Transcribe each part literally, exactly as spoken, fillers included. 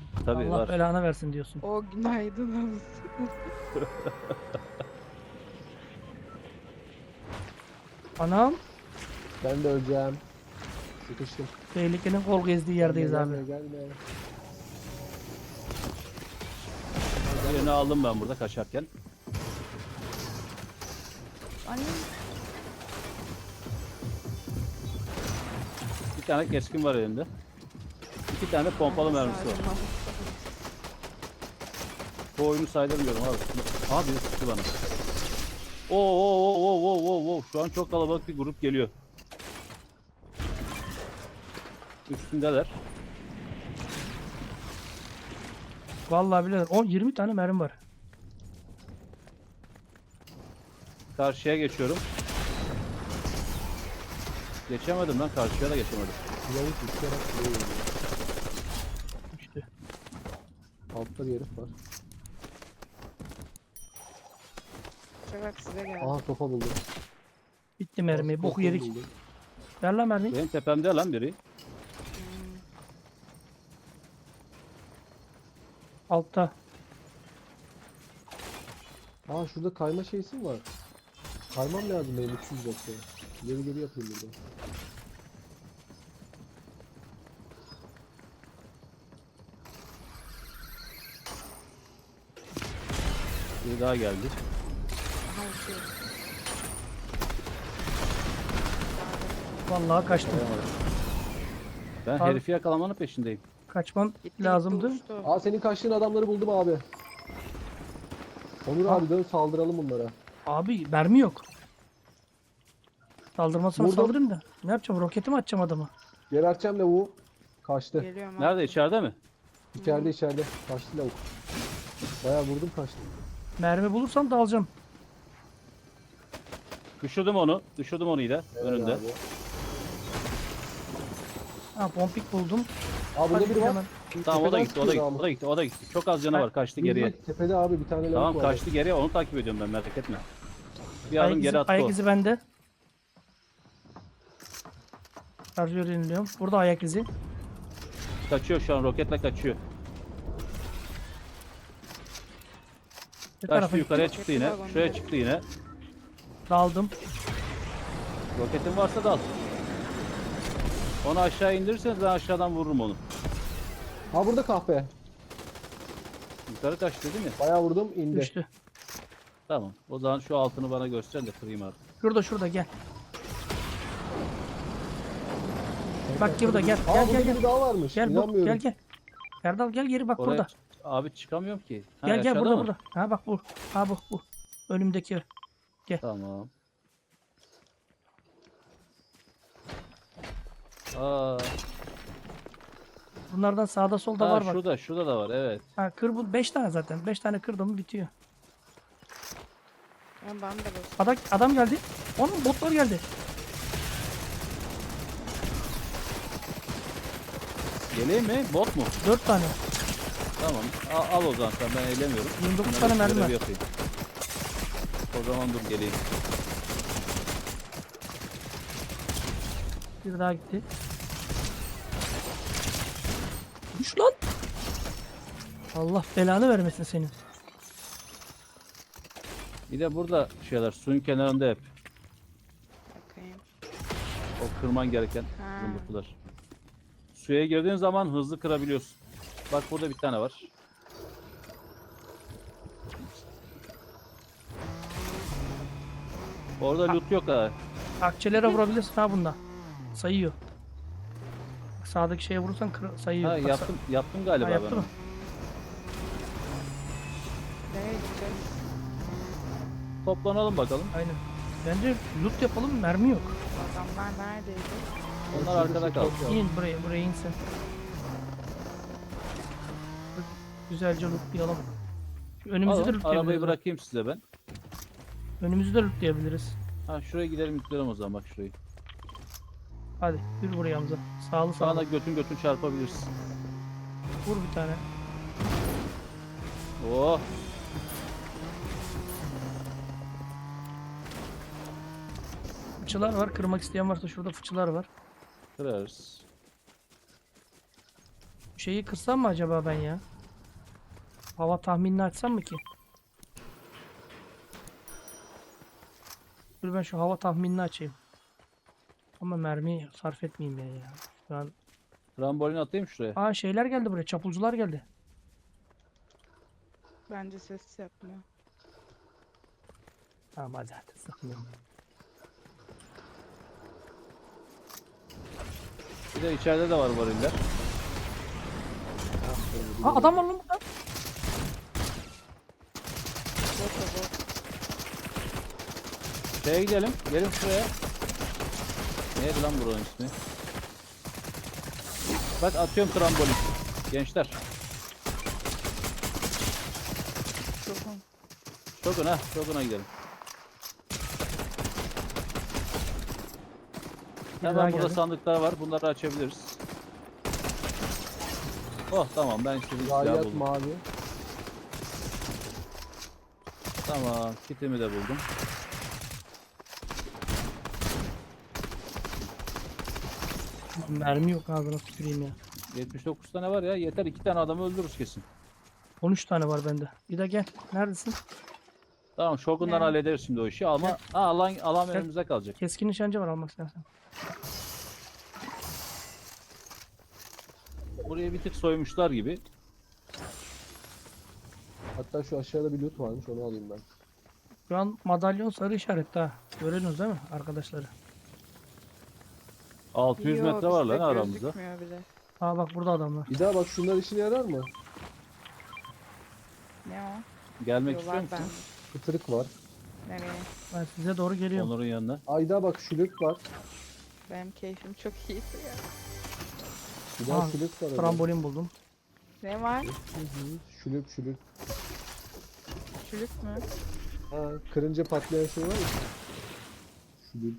Tabii Allah var. belanı versin diyorsun. O günaydın olsun. Anam, Ben de öleceğim. Sıkıştım. tehlikenin kol gezdiği yerdeyiz gelme, abi. Gelme gelme. Birini aldım ben burada kaçarken. Anne. Bir tane keskin var elinde. İki tane pompalı mermisi var. Bu oyunu saydırmıyorum abi. Abi sıktı bana. Oo oo oo oo oo oo oo. Şu an çok kalabalık bir grup geliyor. Üstündeler. Vallahi billahi on yirmi tane mermi var. Karşıya geçiyorum. Geçemedim lan, karşıya da geçemedim. Pilavı tutarak buraya geliyor. İşte. Altta bir herif var. Çabuk size geldi. Aha sopa buldum. Bitti mermi. Sopa Boku yedik. buldum. Ver lan mermi. Benim tepemde lan biri. Hmm. Altta. Aa şurada kayma şeysi mi var? Kaymam lazım benim üç yüz yoksa. Geri geri yapayım burada. Biri daha geldi. Aha uçuyor. Vallahi kaçtım. Ben Abi- herifi yakalamanın peşindeyim. Kaçmam Gitti, lazımdı. gitti, uçtu. Aa senin kaçtığın adamları buldum abi. Onur Ha. abi dön saldıralım bunlara. Abi mermi yok. Saldırmasına Vurdum. saldırayım da. Ne yapacağım? Roketi mi atacağım adamı? Geberteceğim lavuğu. Kaçtı. Geliyorum abi. Nerede, içeride mi? İçeride içeride. Kaçtı lavuk. Bayağı vurdum kaçtı. Mermi bulursam da alacağım. Düşürdüm onu. Düşürdüm onu yine. Evet Önünde. abi. Ha pompik buldum. Aa burada Hadi biri var. hemen. Tamam, o da Tepeden gitti, o da gitti, sıkıyor o da gitti, o da gitti. Çok az canı Ben- var, kaçtı ama. geriye. Tepede abi bir tane lavuk Tamam, var. kaçtı geriye, onu takip ediyorum ben, merak etme. Bir adım Ayak geri izi, attı ayak o. izi bende. Şarjör yeniliyorum. Burada ayak izi. Kaçıyor şu an, roketle kaçıyor. Bir Kaçtı, tarafa yukarıya gitti. çıktı yine. Şuraya çıktı yine. Daldım. Roketin varsa dal. Onu aşağı indirirseniz ben aşağıdan vururum onu. Ha burada kahpe. Yukarı kaçtı değil mi? Bayağı vurdum indi. Düştü. Tamam. O zaman şu altını bana göster de kırayım artık. Şurada şurada gel. Bak burada gel. Aa Gel burada gel gel. biri daha varmış. Gel bu İnanmıyorum. gel gel. Erdal gel geri bak Oraya burada. abi çıkamıyorum ki. Ha, Gel gel aşağıda burada mı? burada. Ha bak bu. Ha bu bu. Önümdeki. Tamam. Aa, Bunlardan sağda solda ha, var bak. şurada, şurada da var, evet. Ha kır bu. beş tane zaten. beş tane kırdım mı bitiyor. Ben bana da basın. Adam, adam geldi. Onun botlar geldi. Geleyim mi? Bot mu? dört tane. Tamam. Al, al o zaman sen, ben eğlemiyorum. yirmi dokuz Bunları tane mermi görevi var. yapayım. O zaman dur geleyim. Bir daha gitti. Düş lan. Allah belanı vermesin senin. Bir de burada şeyler suyun kenarında hep. Bakayım. O kırman gereken Ha. yumruklar. Suya girdiğin zaman hızlı kırabiliyorsun. Bak burada bir tane var. Orada loot yok ha. Akçelere vurabilirsin ha bunda. Sayıyor. Bak, sağdaki şeye vurursan kır- sayıyor. Ha Bak, yaptım yaptım sa- galiba ha, yaptı ben. mı? Nereye gideceğiz? Toplanalım bakalım. Aynen. Bence loot yapalım, mermi yok. Adamlar neredeydi? Onlar arkada kaldı. İn buraya, buraya insin. Güzelce lootlayalım. Şu önümüzü de Alın, arabayı lootlayabiliriz. bırakayım size ben. Önümüzü de lootlayabiliriz. Ha şuraya gidelim yükleyelim o zaman, bak şurayı. Hadi yürü buraya Hamza. Sağlı Sana sağlı. götün götün çarpabilirsin. Vur bir tane. Oh. Fıçılar var. Kırmak isteyen varsa şurada fıçılar var. Kırarız. Şeyi kırsam mı acaba ben ya? Hava tahminini açsam mı ki? Dur ben şu hava tahminini açayım. Ama mermi sarf etmeyeyim ya ya. Şu an... Trambolin atayım şuraya. Aa şeyler geldi buraya. Çapulcular geldi. Bence ses yapmıyor. Tamam hadi hadi sıkmıyorum. Bir de içeride de var variller. Aa adam var lan burada. Bot o bot. Şeye gidelim. Gelin şuraya. Neydi lan buranın ismi? Bak atıyorum trambolin. Gençler. Şokun. Şokun ha. Şokuna gidelim. Bir daha Hemen burada geldi. sandıklar var. Bunları açabiliriz. Oh tamam ben istediğim silahı Zayiat buldum. mavi. Tamam kitimi de buldum. Mermi yok ağzına tüküreyim ya. yetmiş dokuz tane var ya. Yeter iki tane adamı öldürürüz kesin. on üç tane var bende. Bir de gel. Neredesin? Tamam Shogun'dan Ne? hallederiz şimdi o işi ama ha, alan alan Gel. önümüze kalacak. Keskin nişancı var almak istersen. Burayı bir tık soymuşlar gibi. Hatta şu aşağıda bir loot varmış, onu alayım ben. Şu an madalyon sarı işaretli ha. Görüyorsunuz değil mi arkadaşları? altı yüz Yo, metre var bizde lan aramızda. gözükmüyor bile. Aa bak burada adamlar. Bir daha bak, şunlar işine yarar mı? Ne o? Gelmek istiyor Yollar ben. musun? Kıtırık var. Nereye? Ben size doğru geliyorum. Onur'un yanına. Ayda bak, şülük var. Benim keyfim çok iyi ya. Bir daha Aa, şülük var. orada. Trambolin buldum. Ne var? Hı hı, Şülük şülük. Çürük mü? Ha, kırınca patlayan şey var ya. Şülük.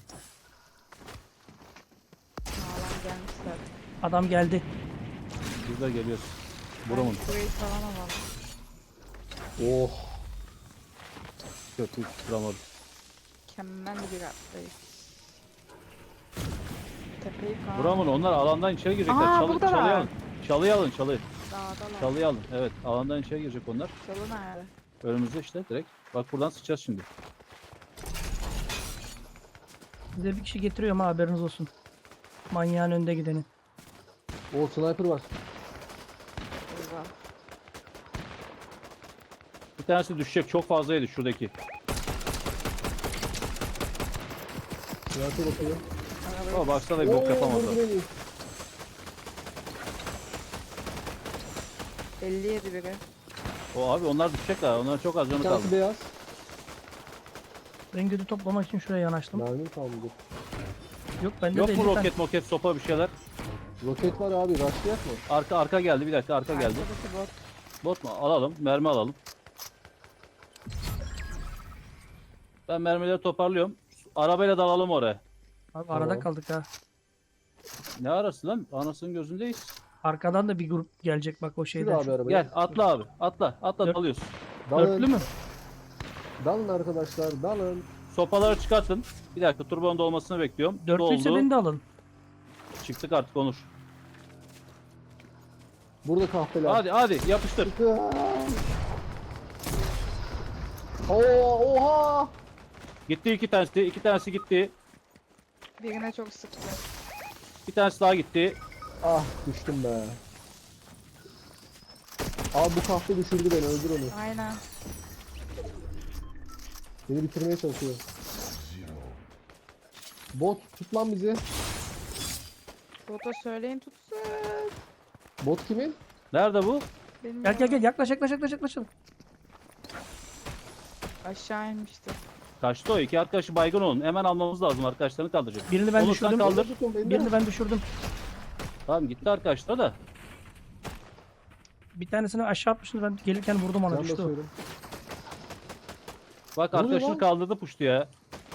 Sağlam gelmişler. Adam geldi. Biz de geliyoruz. Ben Buramın. şurayı falan alalım. Oh. Kötü tutturamadım. Mükemmel bir atlayış. Tepeyi falan. Buramın onlar alandan içeri girecekler. Aa, Çalı, buradalar. çalıyı alın. Çalıyı alın çalıyı. Dağdalar. Çalıyı alın. Evet alandan içeri girecek onlar. Çalı nerede? Önümüzde işte direkt. Bak buradan sıçacağız şimdi. Size bir kişi getiriyorum ha haberiniz olsun. Manyağın önde gideni. O sniper var. Eyvah. Bir tanesi düşecek. Çok fazla yedi şuradaki. Sniper bakıyor. Arabayı Ama baksana bir bok Oo, yapamazlar. vurdu beni. elli yedi biri. O abi onlar düşecekler. Onların çok az Bir canı kaldı. tanesi beyaz. Ben gödü toplamak için şuraya yanaştım. Mermim kalmadı. Yok bende Yok de mu elli tane. roket moket sopa bir şeyler? Roket var abi, rushlayak mı? Arka arka geldi bir dakika arka geldi. Arkadaki bot. Bot mu? Alalım. Mermi alalım. Ben mermileri toparlıyorum. Arabayla dalalım oraya. Abi arada Tamam. kaldık ha. Ne arası lan? Anasının gözündeyiz. Arkadan da bir grup gelecek bak o Sür şeyden. abi arabayı. Gel atla abi. Atla. Atla Dört- dalıyoruz. Dalın. Dörtlü mü? Dalın arkadaşlar, dalın. Sopaları çıkartın. Bir dakika turbonun dolmasını bekliyorum. Dörtlüyse Doldu. beni de alın. Çıktık artık Onur. Burada kahpeler. Hadi hadi yapıştır. Oo, oha! Gitti iki tanesi. iki tanesi gitti. Birine çok sıktı. Bir tanesi daha gitti. Ah, düştüm be. Abi bu kahpe düşürdü beni, öldür onu. Aynen. Beni bitirmeye çalışıyor. Bot tut lan bizi. Bota söyleyin tutsun. Bot kimin? Nerede bu? Bilmiyorum. Gel gel gel yaklaş yaklaş yaklaş yaklaş. Aşağı inmişti. Kaçtı o. İki arkadaşı baygın olun. Hemen almamız lazım. Arkadaşlarını kaldıracak. Birini ben Onur sen düşürdüm. kaldır. Tutun beni de. Birini ben düşürdüm. Tamam gitti arkadaşlar da. Bir tanesini aşağı atmıştım ben gelirken vurdum ona Can düştü o. basıyorum. Bak Ne oluyor arkadaşını lan? kaldırdı puştu ya.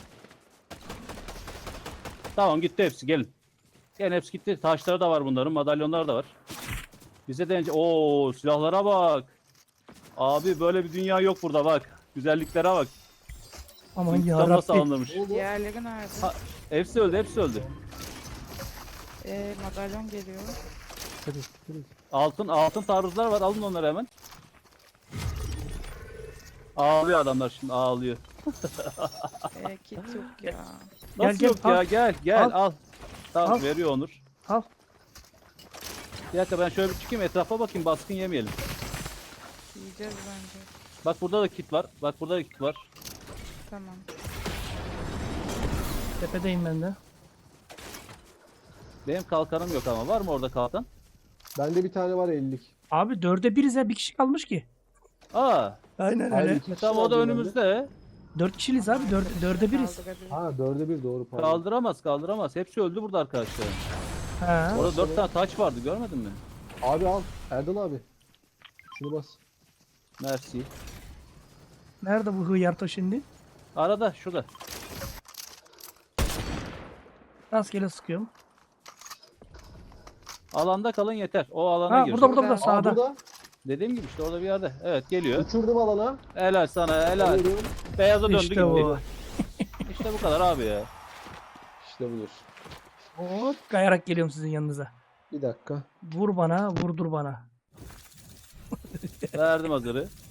Tamam gitti hepsi gelin. Gelin hepsi gitti. Taşları da var bunların. Madalyonlar da var. Bize de ooo silahlara bak. Abi böyle bir dünya yok burada bak. Güzelliklere bak. Aman İntikam nasıl yarabbi. alınmış. Ne oldu? Diğerleri nerede? Ha. Hepsi öldü hepsi öldü. Ee, madalyon geliyor. Dikkat et, dikkat et. Altın altın taarruzlar var. Alın onları hemen. Ağlıyor adamlar şimdi ağlıyor. Ee, kit yok ya. Gel, Nasıl gel, yok ya? al. Gel gel Al. al. Tamam Al. veriyor Onur. Al. Bir dakika ben şöyle bir çıkayım etrafa bakayım baskın yemeyelim. Yiyeceğiz bence. Bak burada da kit var. Bak burada da kit var. Tamam. Tepedeyim ben de. Benim kalkanım yok ama var mı orada kalkan? Bende bir tane var ellilik. Abi dörde biriz ya, bir kişi kalmış ki. Aa, Aynen Hayır, öyle. iki kişi tamam o da vardı bende. önümüzde. Dört kişiliyiz abi, dörde, dörde biriz. Kaldırabilir. Ha dörde bir doğru pardon. Kaldıramaz kaldıramaz. Hepsi öldü burada arkadaşlar. Ha. Orada dört tane taç vardı görmedin mi? Abi al. Erdal abi. Şunu bas. Mersi. Nerede bu hıyarto şimdi? Arada şurada. Rastgele sıkıyorum. Alanda kalın yeter. O alana Ha gir. burada burada burada Aa, Aa sağda. burada. Dediğim gibi işte orada bir yerde. Evet geliyor. Uçurdum alana. Helal sana helal. Alıyorum. Beyaza döndü İşte gitti. bu. İşte bu kadar abi ya. İşte budur. Hop kayarak geliyorum sizin yanınıza. Bir dakika. Vur bana, vurdur bana. Verdim hazırı.